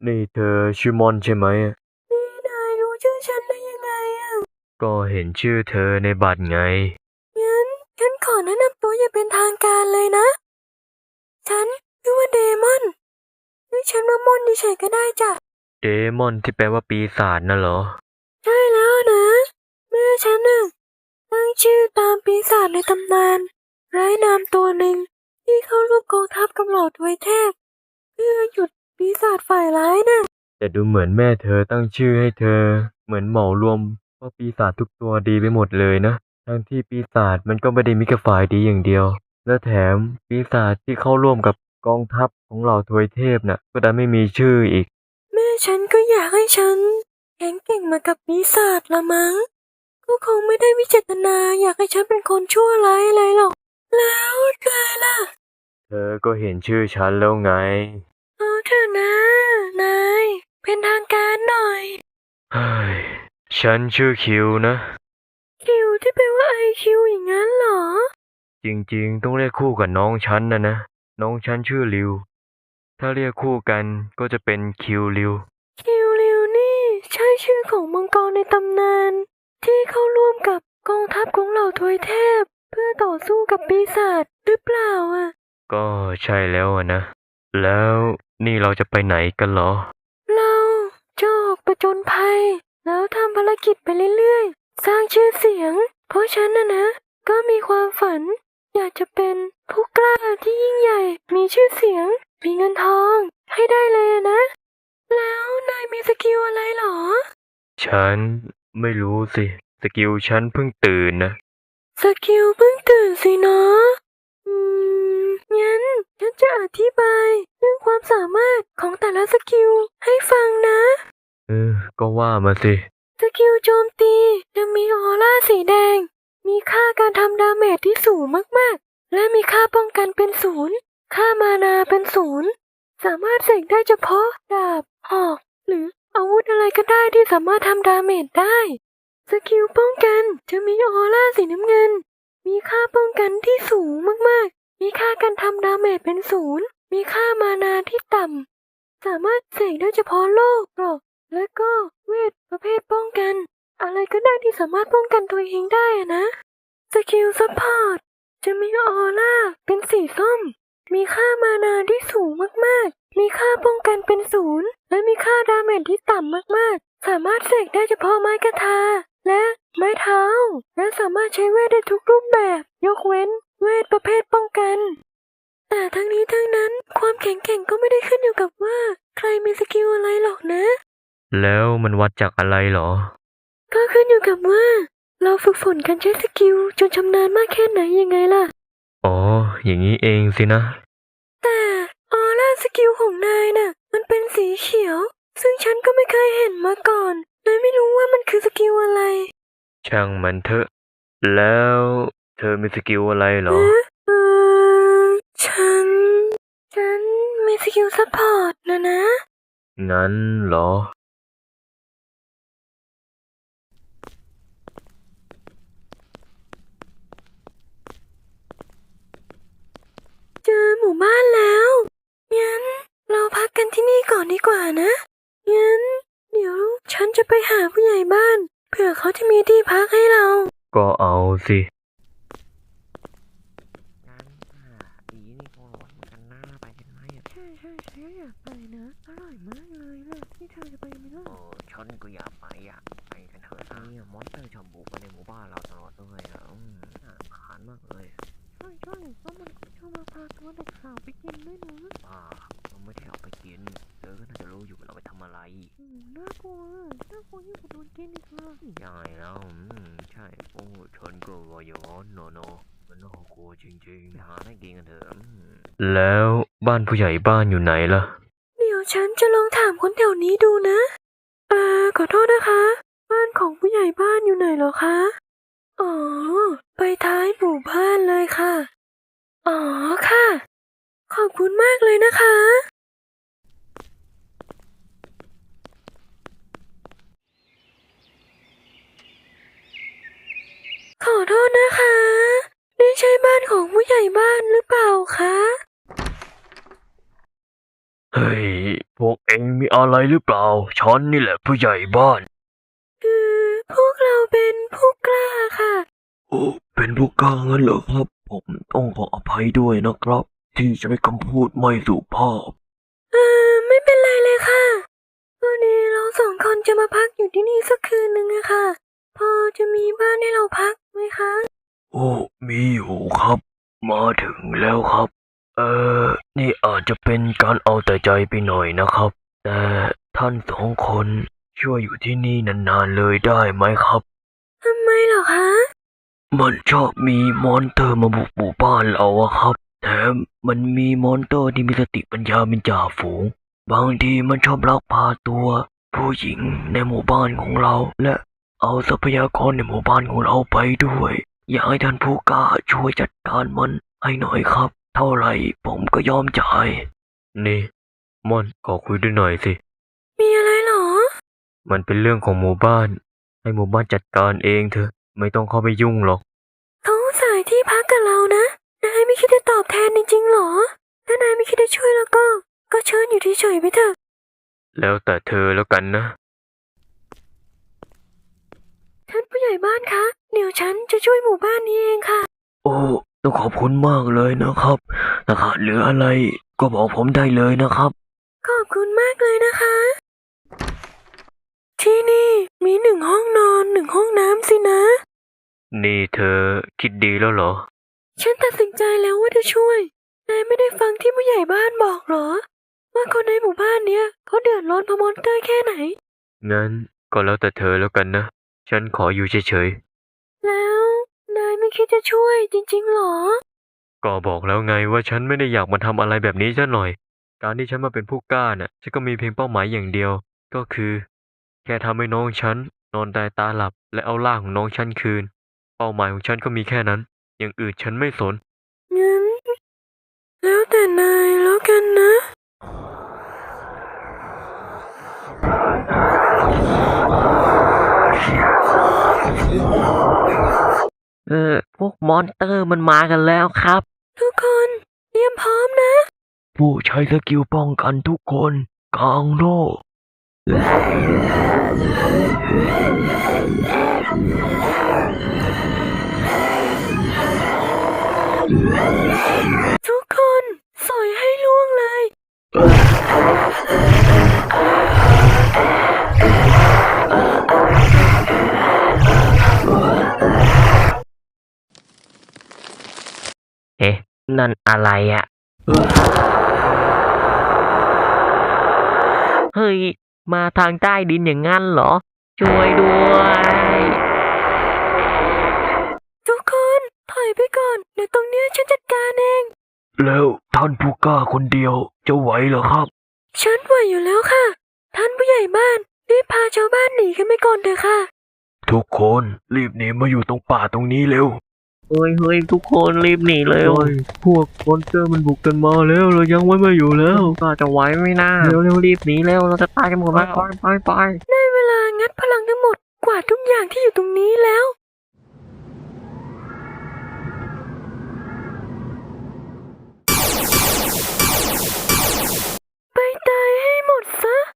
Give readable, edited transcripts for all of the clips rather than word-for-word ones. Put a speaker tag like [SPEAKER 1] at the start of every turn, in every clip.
[SPEAKER 1] นี่เธอชื่อมอนใช่ไหม
[SPEAKER 2] นี่นายรู้ชื่อฉันได้ยังไงอ่ะ
[SPEAKER 1] ก็เห็นชื่อเธอในบัตรไง
[SPEAKER 2] งั้นฉันขอแนะนำตัวอย่างเป็นทางการเลยนะ ฉันชื่อว่าเดมอนเรียกฉันว่ามอนเฉยๆก็ได้จ้ะ
[SPEAKER 1] เดมอนที่แปลว่าปีศาจน่ะเหรอ
[SPEAKER 2] ใช่แล้วนะแม่ฉันน่ะตั้งชื่อตามปีศาจในตำนานไร้นามตัวหนึ่งที่เข้าร่วมกองทัพกับเหล่าทวยเทพเพื่อหยุดปีศาจฝ่ายร้ายน่ะ
[SPEAKER 1] แต่ดูเหมือนแม่เธอตั้งชื่อให้เธอเหมือนเหมารวมว่าปีศาจทุกตัวดีไปหมดเลยนะทั้งที่ปีศาจมันก็ไม่ได้มีแค่ฝ่ายดีอย่างเดียวและแถมปีศาจที่เข้าร่วมกับกองทัพของเหล่าทวยเทพน่ะก็ดันไม่มีชื่ออีก
[SPEAKER 2] แม่ฉันก็อยากให้ฉันแข็งเก่งมากับปีศาจละมั้งก็คงไม่ได้วิเจตนาอยากให้ฉันเป็นคนชั่วร้ายอะไรหรอกแล้วนายล่ะ
[SPEAKER 1] เธอก็เห็นชื่อฉันแล้วไง
[SPEAKER 2] เอาเถอะนะนายเป็นทางการหน่อย
[SPEAKER 1] เฮ้ยฉันชื่อคิวนะ
[SPEAKER 2] คิวที่แปลว่าไอคิวอย่างนั้นเหรอ
[SPEAKER 1] จริงๆต้องเรียกคู่กับน้องฉันนะน้องฉันชื่อริวถ้าเรียกคู่กันก็จะเป็นคิวริว
[SPEAKER 2] คิวริวนี่ใช่ชื่อของมังกรในตำนานที่เข้าร่วมกับกองทัพของเหล่าทวยเทพเพื่อต่อสู้กับปีศาจหรือเปล่าอ่ะ
[SPEAKER 1] ก็ใช่แล้วนะ แล้วนี่เราจะไปไหนกันเหรอ
[SPEAKER 2] เราจะออกประจนภัยแล้วทำภารกิจไปเรื่อยๆสร้างชื่อเสียงเพราะฉันนะก็มีความฝันอยากจะเป็นผู้กล้าที่ยิ่งใหญ่มีชื่อเสียงมีเงินทองให้ได้เลยอะนะ แล้วนายมีสกิลอะไรเหรอ
[SPEAKER 1] ฉันไม่รู้สิสกิลฉันเพิ่งตื่นนะ
[SPEAKER 2] สกิลเพิ่งตื่นสินะอืงั้นฉันจะอธิบายเรื่องความสามารถของแต่ละสกิลให้ฟังนะ
[SPEAKER 1] ก็ว่ามาสิ
[SPEAKER 2] สกิลโจมตีจะมีออร่าสีแดง มีค่าการทำดาเมจที่สูงมากๆ และมีค่าป้องกันเป็นศูนย์ค่ามานาเป็นศูนย์สามารถเสกได้เฉพาะดาบหอกหรืออาวุธอะไรก็ได้ที่สามารถทำดาเมจได้ สกิลป้องกันจะมีออร่าสีน้ำเงิน มีค่าป้องกันที่สูงมากๆ มีค่าการทำดาเมจเป็นศูนย์มีค่ามานาที่ต่ำ สามารถเสกได้เฉพาะโลกหรอกและก็เวทประเภทป้องกัน อะไรก็ได้ที่สามารถป้องกันตัวเองได้อะนะ สกิลซัพพอร์ตจะมีออร่าเป็นสีส้ม มีค่ามานาที่สูงมากๆ มีค่าป้องกันเป็นศูนย์และมีค่าดาเมจที่ต่ำมากๆ สามารถเสกได้เฉพาะไม้กระทาและไม้เท้า และสามารถใช้เวทได้ทุกรูปแบบยกเว้นเวทประเภทป้องกัน แต่ทั้งนี้ทั้งนั้นความแข็งแกร่งก็ไม่ได้ขึ้นอยู่กับว่าใครมีสกิลอะไรหรอกนะ
[SPEAKER 1] แล้วมันวัดจากอะไรเหรอ
[SPEAKER 2] ก็ขึ้นอยู่กับว่าเราฝึกฝนการใช้สกิลจนชำนาญมากแค่ไหนยังไงล่ะ
[SPEAKER 1] อ๋ออย่างนี้เองสินะ
[SPEAKER 2] แต่ออร่าสกิลของนายน่ะมันเป็นสีเขียว ซึ่งฉันก็ไม่เคยเห็นมาก่อนเลยไม่รู้ว่ามันคือสกิลอะไร
[SPEAKER 1] ช่างมันเถอะแล้วเธอมีสกิลอะไรเหรอ
[SPEAKER 2] เอ๊ะฉัน ฉันมีสกิลซัพพอร์ตนะ
[SPEAKER 1] งั้นเหรอ
[SPEAKER 2] เจอหมู่บ้านแล้วงั้นเราพักกันที่นี่ก่อนดีกว่านะงั้นเดี๋ยวฉันจะไปหาผู้ใหญ่บ้านเผื่อเขาจะมีที่พักให้เรา
[SPEAKER 1] ก็เอาสิ
[SPEAKER 3] งั้นอีนี่คงร้อนเหมือนกันนะไปกันไหมอ่ะ
[SPEAKER 2] ใช่อยากไปนะอร่อยมากเลยล่ะนี่เธอจะไปไหมล่ะ
[SPEAKER 3] ฉันก็อยากไปอ่ะไปกันเถอะนะเนี่ยมอนสเตอร์ชอบบุกมาในหมู่บ้านเราตลอดเลยอ่ะน่ารำคาญมากเลย
[SPEAKER 2] ใช่แล้วมันก็ชอบมาพาตัวเด็กสาวไปกินด้วยนะ
[SPEAKER 3] เราไม่ได้เอาไปกินเธอก็น่าจะรู้อยู่ว่าเราไปทำอะไร
[SPEAKER 2] น่ากลัวยิ่งกว่าโดนกินอีกเลย
[SPEAKER 3] ใช่แล้วใช่โอ้ฉันก็ว่าอย่างนั้นเนอะมันน่ากลัวจริงๆหาได้กินกันเถอะ
[SPEAKER 1] แล้วบ้านผู้ใหญ่บ้านอยู่ไหนล่ะ
[SPEAKER 2] เดี๋ยวฉันจะลองถามคนแถวนี้ดูนะขอโทษนะคะบ้านของผู้ใหญ่บ้านอยู่ไหนเหรอคะอ๋อไปท้ายหมู่บ้านเลยค่ะอ๋อค่ะขอบคุณมากเลยนะคะขอโทษนะคะนี่ใช่บ้านของผู้ใหญ่บ้านหรือเปล่าคะ
[SPEAKER 1] เฮ้ยพวกเองมีอะไรหรือเปล่าฉันนี่แหละผู้ใหญ่บ้าน
[SPEAKER 2] คือพวกเราเป็นผู้กล้าค่ะ
[SPEAKER 1] โอ้เป็นผู้กล้างั้นเหรอครับ ผมต้องขออภัยด้วยนะครับ ที่ใช้คำพูดไม่สุภาพ
[SPEAKER 2] ไม่เป็นไรเลยค่ะวันนี้เราสองคนจะมาพักอยู่ที่นี่สักคืนหนึ่งอะค่ะ พอจะมีบ้านให้เราพักไหมคะ
[SPEAKER 1] โอ้มีอยู่ครับ มาถึงแล้วครับ นี่อาจจะเป็นการเอาแต่ใจไปหน่อยนะครับ แต่ท่านสองคนช่วยอยู่ที่นี่นานๆเลยได้ไหมครับ
[SPEAKER 2] ทำไมเหรอคะ
[SPEAKER 1] มันชอบมีมอนเตอร์มาบุกหมู่บ้านเราอะครับ แถมมันมีมอนเตอร์ที่มีสติปัญญาเป็นจ่าฝูง บางทีมันชอบลักพาตัว ผู้หญิงในหมู่บ้านของเรา และเอาทรัพยากรในหมู่บ้านของเราไปด้วย อยากให้ท่านผู้กล้าช่วยจัดการมันให้หน่อยครับ เท่าไหร่ผมก็ยอมจ่าย นี่ม่อนขอคุยด้วยหน่อยสิ
[SPEAKER 2] มีอะไรเหรอ
[SPEAKER 1] มันเป็นเรื่องของหมู่บ้าน ให้หมู่บ้านจัดการเองเถอะ ไม่ต้องเข้าไปยุ่งหรอก
[SPEAKER 2] เขาสายที่พักกับเรานะ นายไม่คิดจะตอบแทนจริงๆหรอ ถ้านายไม่คิดจะช่วยแล้วก็เชิญอยู่เฉยๆไปเถอะ
[SPEAKER 1] แล้วแต่เธอแล้วกันนะ
[SPEAKER 2] ท่านผู้ใหญ่บ้านคะ เดี๋ยวฉันจะช่วยหมู่บ้านนี้เองค่ะ
[SPEAKER 1] โอ้ต้องขอบคุณมากเลยนะครับถ้าขาดเหลืออะไรก็บอกผมได้เลยนะครับ
[SPEAKER 2] ขอบคุณมากเลยนะคะ ที่นี่มี1 ห้องนอน 1 ห้องน้ำสินะ
[SPEAKER 1] นี่เธอคิดดีแล้วเหรอ
[SPEAKER 2] ฉันตัดสินใจแล้วว่าจะช่วย นายไม่ได้ฟังที่ผู้ใหญ่บ้านบอกเหรอ ว่าคนในหมู่บ้านเนี้ยเขาเดือดร้อนเพราะมอนเตอร์แค่ไหน
[SPEAKER 1] งั้นก็แล้วแต่เธอแล้วกันนะ ฉันขออยู่เฉย
[SPEAKER 2] แล้วนายไม่คิดจะช่วยจริงๆหรอ
[SPEAKER 1] ๆ ก็บอกแล้วไงว่าฉันไม่ได้อยากมาทำอะไรแบบนี้ซะหน่อย การที่ฉันมาเป็นผู้กล้าน่ะฉันก็มีเพียงเป้าหมายอย่างเดียว ก็คือ แค่ทำให้น้องฉันนอนตายตาหลับและเอาร่างของน้องฉันคืน เป้าหมายของฉันก็มีแค่นั้น อย่างอื่นฉันไม่สน
[SPEAKER 2] งั้น แล้วแต่นายแล้วกันนะ
[SPEAKER 3] พวกมอนเตอร์มันมากันแล้วครับ
[SPEAKER 2] ทุกคนเตรียมพร้อมนะ
[SPEAKER 1] ผู้ใช้สกิลป้องกันทุกคนกลางโลก
[SPEAKER 2] ทุกคนสอยให้ล่วงเลย
[SPEAKER 3] เอ๊ะ นั่นอะไรอะเฮ้ย มาทางใต้ดินอย่างงั้นเหรอ ช่วยด้วย
[SPEAKER 2] ทุกคนถอยไปก่อน เดี๋ยวตรงเนี้ยฉันจัดการเอง
[SPEAKER 1] แล้วท่านผู้กล้าคนเดียวจะไหวเหรอครับ
[SPEAKER 2] ฉันไหวอยู่แล้วค่ะ ท่านผู้ใหญ่บ้านรีบพาชาวบ้านหนีกันไปก่อนเถอะค่ะ
[SPEAKER 1] ทุกคนรีบหนีมาอยู่ตรงป่าตรงนี้เร็ว
[SPEAKER 3] เฮ้ย ทุกคนรีบหนีเลย
[SPEAKER 1] พวกมอนสเตอร์มันบุกกันมาแล้วเรายังไว้ไม่อยู่แล้ว
[SPEAKER 3] ก็จะไหวไหม่น่าเร็วรีบหนีเร็ว เราจะตายกันหมดแล้วไป
[SPEAKER 2] ได้เวลางัดพลังทั้งหมดกวาดทุกอย่างที่อยู่ตรงนี้แล้ว ไปตายให้หมดซะ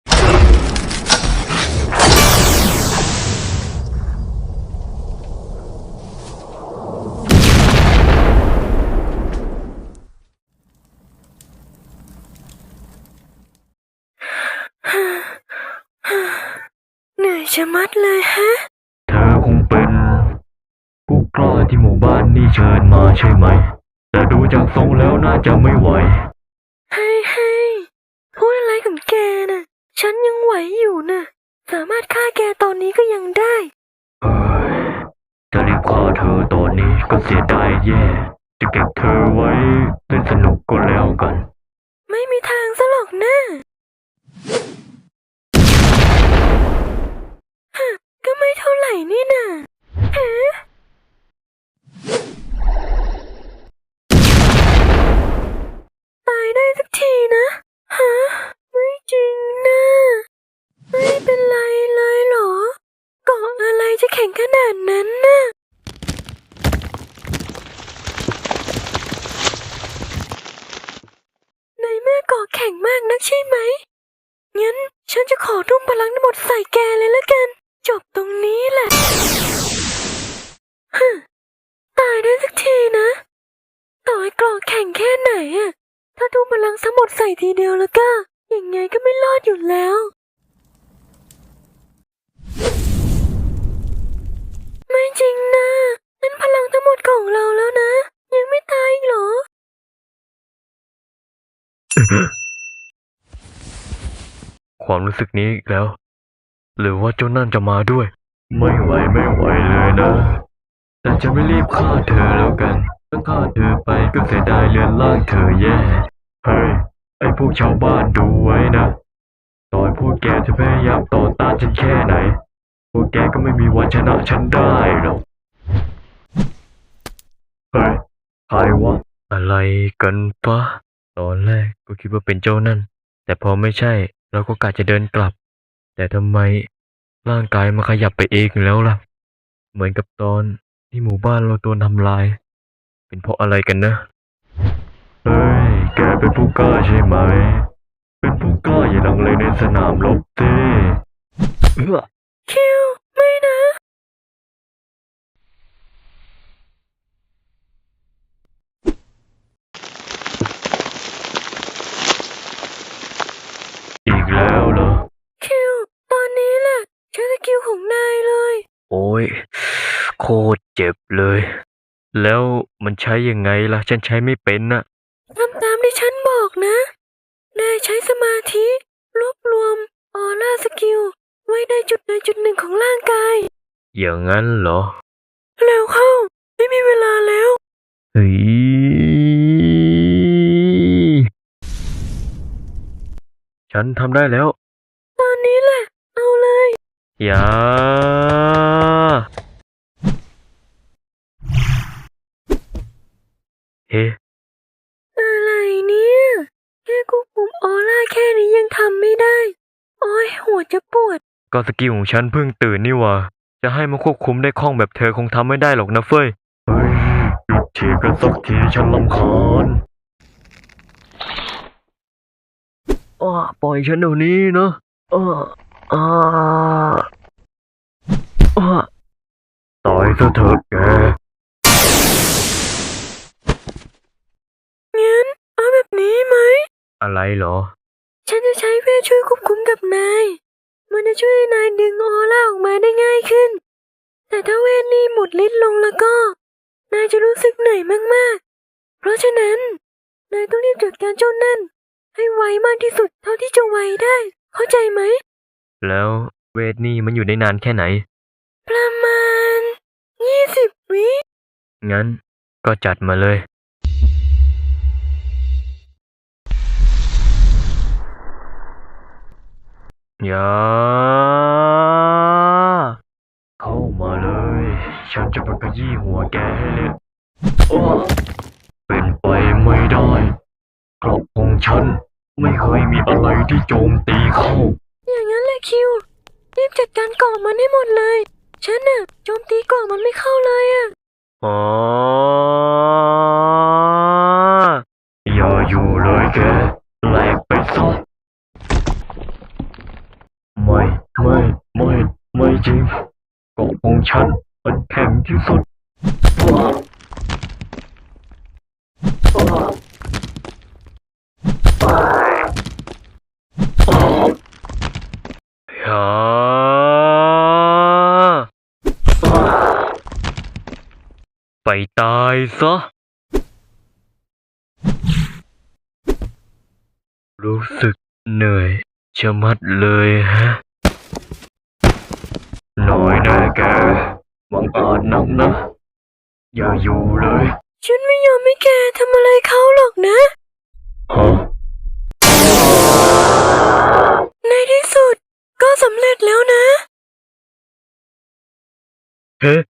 [SPEAKER 2] เหนื่อยชะมัดเลยฮะ
[SPEAKER 1] เธอคงเป็นผู้กล้าที่หมู่บ้านนี่เชิญมาใช่ไหม แต่ดูจากทรงแล้วน่าจะไม่ไหว
[SPEAKER 2] ให้พูดอะไรของแกน่ะ ฉันยังไหวอยู่น่ะ สามารถฆ่าแกตอนนี้ก็ยังได้
[SPEAKER 1] เอ้ยจะรีบฆ่าเธอตอนนี้ก็เสียดายแย่ จะเก็บเธอไว้เล่นสนุกก็แล้วกัน
[SPEAKER 2] ไม่มีทางซะหรอกนะฮะก็ไม่เท่าไหร่นี่น่ะฮะตายได้สักทีนะฮะไม่จริงนะไม่เป็นไรเลยเหรอเกาะอะไรจะแข็งขนาดนั้นน่ะในเมื่อเกาะแข็งมากนักใช่ไหมนจะขอทุ่มพลังทั้งหมดใส่แกเลยละกัน จบตรงนี้แหละฮึตายได้สักทีนะ ต่อให้กรอกแข็งแค่ไหนอะถ้าทุ่มพลังทั้งหมดใส่ทีเดียวแล้วก็ยังไงก็ไม่รอดอยู่แล้ว ไม่จริงนะนั่นพลังทั้งหมดของเราแล้วนะ ยังไม่ตายอีกเหรอ
[SPEAKER 1] ความรู้สึกนี้อีกแล้ว หรือว่าเจ้านั่นจะมาด้วย ไม่ไหวเลยนะ แต่จะไม่รีบฆ่าเธอแล้วกันถ้าฆ่าเธอไปก็เสียดายเรือนร่างเธอแย่ เฮ้ย ไอ้พวกชาวบ้านดูไว้นะ ต่อให้พวกแกจะพยายามต่อต้านฉันแค่ไหน พวกแกก็ไม่มีวันชนะฉันได้หรอก เฮ้ย ใครวะ อะไรกันปะ ตอนแรกก็คิดว่าเป็นเจ้านั่น แต่พอไม่ใช่เราก็กะจะเดินกลับ แต่ทำไมร่างกายมันขยับไปเองแล้วล่ะ เหมือนกับตอนที่หมู่บ้านเราโดนทำลาย เป็นเพราะอะไรกันนะ เฮ้ย แกเป็นผู้กล้าใช่ไหม เป็นผู้กล้าอย่าลังเลในสนามรบสิเอื้อ
[SPEAKER 2] คิว ไม่นะ
[SPEAKER 1] อีกแล้วเหรอ
[SPEAKER 2] คิว ตอนนี้แหละใช้สกิลของนายเลย
[SPEAKER 1] โอ้ย โคตรเจ็บเลย แล้วมันใช้ยังไงล่ะ ฉันใช้ไม่เป็นน่ะ
[SPEAKER 2] ทำตามที่ฉันบอกนะ นายใช้สมาธิ รวบรวมออร่าสกิล ไว้ในจุดใดจุดหนึ่งของร่างกาย
[SPEAKER 1] อย่างนั้นเหรอ
[SPEAKER 2] เร็วเข้า ไม่มีเวลาแล้ว
[SPEAKER 1] เฮ้ย ฉันทำได้แล้ว
[SPEAKER 2] ตอนนี้แหละ เอาเลย
[SPEAKER 1] อย่า เฮ้
[SPEAKER 2] อะไรเนี่ย แค่ควบคุมออร่าแค่นี้ยังทำไม่ได้ โอ้ยหัวจะปวด
[SPEAKER 1] ก็สกิลของฉันเพิ่งตื่นนี่หว่า จะให้มันควบคุมได้คล่องแบบเธอคงทำไม่ได้หรอกนะเฟ้ย เฮ้ย หยุดทีกันสักทีฉันรำคาญปล่อยฉันเดี๋ยวนี้นะอ้าอ้าอ้าตายซะเถอะแก
[SPEAKER 2] งั้น เอาแบบนี้ไหม
[SPEAKER 1] อะไรเหรอ
[SPEAKER 2] ฉันจะใช้เวทช่วยควบคุมกับนาย มันจะช่วยให้นายดึงออร่าออกมาได้ง่ายขึ้น แต่ถ้าเวทนี้หมดฤทธิ์ลงแล้วก็ นายจะรู้สึกเหนื่อยมากๆ เพราะฉะนั้น นายต้องรีบจัดการเจ้านั่น ให้ไวมากที่สุดเท่าที่จะไวได้ เข้าใจไหม
[SPEAKER 1] แล้วเวทนี่มันอยู่ได้นานแค่ไหน
[SPEAKER 2] ประมาณ 20 วิ
[SPEAKER 1] งั้นก็จัดมาเลย อย่า เข้ามาเลย ฉันจะไปขยี้หัวแกให้เละอ้อเป็นไปไม่ได้กรอบของฉันไม่เคยมีอะไรที่โจมตีเข้า
[SPEAKER 2] อย่างนั้นแหละคิว รีบจัดการก่อมันให้หมดเลย ฉันน่ะโจมตีก่อมันไม่เข้าเลยอะ
[SPEAKER 1] อ๋อ อย่าอยู่เลยแกแหลกไปซะไม่จริงเกาะของฉันมันแข็งที่สุดอย่าไปตายซะ รู้สึกเหนื่อยชะมัดเลยฮะ หน่อยนะแกบังอาจนักนะ อย่าอยู่เลย
[SPEAKER 2] ฉันไม่ยอมให้แกทำอะไรเขาหรอกนะ
[SPEAKER 1] ฮะ
[SPEAKER 2] ในที่สุดก็สำเร็จแล้วนะ
[SPEAKER 1] เฮ้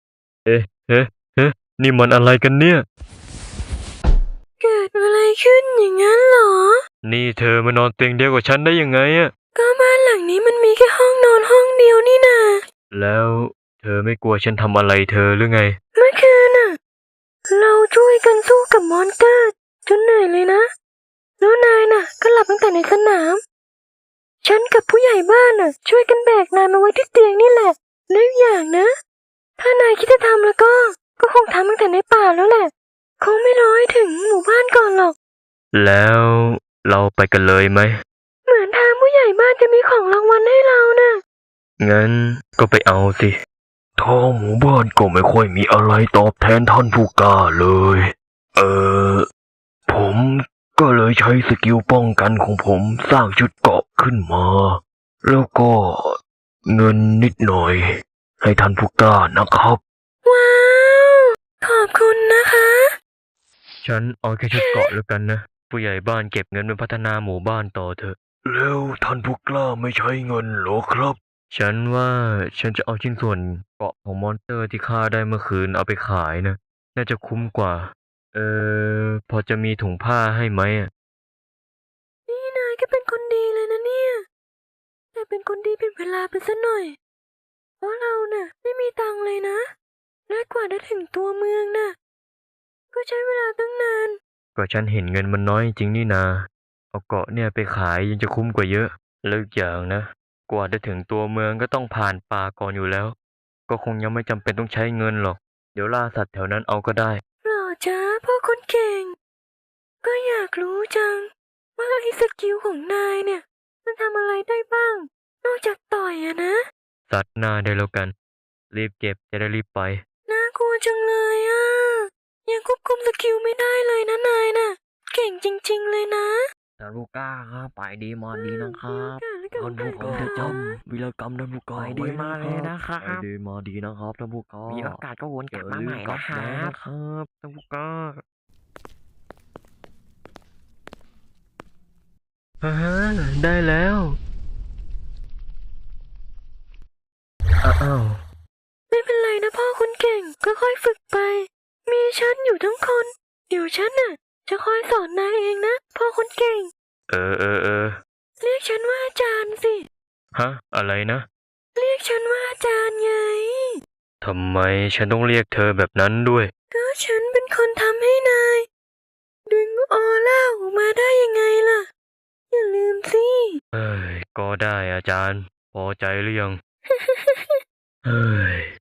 [SPEAKER 1] นี่มันอะไรกันเนี่ย
[SPEAKER 2] เกิดอะไรขึ้นอย่างนั้นเหรอ
[SPEAKER 1] นี่เธอมานอนเตียงเดียวกับฉันได้ยังไงอะ
[SPEAKER 2] ก็บ้านหลังนี้มันมีแค่ห้องนอนห้องเดียวนี่นา
[SPEAKER 1] แล้วเธอไม่กลัวฉันทำอะไรเธอหรือไง
[SPEAKER 2] เมื่อคืนน่ะ เราช่วยกันสู้กับมอนสเตอร์จนเหนื่อยเลยนะ แล้วนายน่ะ ก็หลับตั้งแต่ในสนามฉันกับผู้ใหญ่บ้านน่ะ ช่วยกันแบกนายมาไว้ที่เตียงนี่แหละแล้วอีกอย่างนะ ถ้านายคิดจะทำแล้วก็คงทำตั้งแต่ในป่าแล้วแหละ คงไม่รอให้ถึงหมู่บ้านก่อนหรอก
[SPEAKER 1] แล้วเราไปกันเลยไหม
[SPEAKER 2] เหมือนทางผู้ใหญ่บ้านจะมีของรางวัลให้เราน่ะ
[SPEAKER 1] งั้นก็ไปเอาสิทางหมู่บ้านก็ไม่ค่อยมีอะไรตอบแทนท่านผู้กล้าเลย ผมก็เลยใช้สกิลป้องกันของผมสร้างชุดเกราะขึ้นมา แล้วก็เงินนิดหน่อย ให้ท่านผู้กล้านะครับ
[SPEAKER 2] ว้าว ขอบคุณนะคะ
[SPEAKER 1] ฉันเอาแค่ชุดเกราะแล้วกันนะ ผู้ใหญ่บ้านเก็บเงินไปพัฒนาหมู่บ้านต่อเถอะ แล้วท่านผู้กล้าไม่ใช้เงินหรอครับ ฉันว่าฉันจะเอาชิ้นส่วนเกราะของมอนสเตอร์ที่ฆ่าได้เมื่อคืนเอาไปขายนะ น่าจะคุ้มกว่า พอจะมีถุงผ้าให้ไหมอะ
[SPEAKER 2] นี่นายก็เป็นคนดีเลยนะเนี่ย แต่เป็นคนดีเป็นเวลาไปซะหน่อย เพราะเราน่ะไม่มีตังค์เลยนะ และกว่าจะถึงตัวเมืองน่ะ ก็ใช้เวลาตั้งนาน
[SPEAKER 1] ก็ฉันเห็นเงินมันน้อยจริงนี่นา เอาเกราะเนี่ยไปขายยังจะคุ้มกว่าเยอะแล้วอีกอย่างนะ กว่าจะถึงตัวเมืองก็ต้องผ่านป่าก่อนอยู่แล้ว ก็คงยังไม่จำเป็นต้องใช้เงินหรอก เดี๋ยวล่าสัตว์แถวนั้นเอาก็ได้
[SPEAKER 2] หล่อจ้าพ่อคนเก่ง ก็อยากรู้จัง ว่าไอ้สกิลของนายเนี่ย มันทำอะไรได้บ้าง นอกจากต่อยอะนะ
[SPEAKER 1] สัตว์หน้าได้แล้วกัน รีบเก็บจะได้รีบไป
[SPEAKER 2] น่ากลัวจังเลยอะยังควบคุมสกิลไม่ได้เลยนะนายน่ะ เก่งจริงๆเลยนะ
[SPEAKER 3] ท่านผู้กล้าครับไปดีมาดีนะครับ
[SPEAKER 1] ท่านผู้กล้าจะจำวีรกรรมท่านผู้กล้า
[SPEAKER 3] ไปดีมาเลยนะครับ
[SPEAKER 1] ไปดีมาดีนะครับท่านผู้กล้า
[SPEAKER 3] มีโอกาสก็วนกลับมาใหม่นะค
[SPEAKER 1] อย่า
[SPEAKER 3] รั
[SPEAKER 1] ลืมกลั
[SPEAKER 3] บ
[SPEAKER 1] มานะครับท่านผู้กล้าฮ่าได้แล้วอ้าว
[SPEAKER 2] ไม่เป็นไรนะพ่อคนเก่งก็ค่อยฝึกไป มีฉันอยู่ทั้งคน เดี๋ยวฉันน่ะ จะคอยสอนนายเองนะพ่อคนเก่ง
[SPEAKER 1] เออ
[SPEAKER 2] เรียกฉันว่าอาจารย์สิ
[SPEAKER 1] ฮะ อะไรนะ
[SPEAKER 2] เรียกฉันว่าอาจารย์ไง
[SPEAKER 1] ทำไมฉันต้องเรียกเธอแบบนั้นด้วย
[SPEAKER 2] ก็ฉันเป็นคนทำให้นาย ดึงออร่าออกมาได้ยังไงล่ะ อย่าลืมสิ
[SPEAKER 1] เอ้ย ก็ได้อาจารย์ พอใจหรือยัง เฮ้ย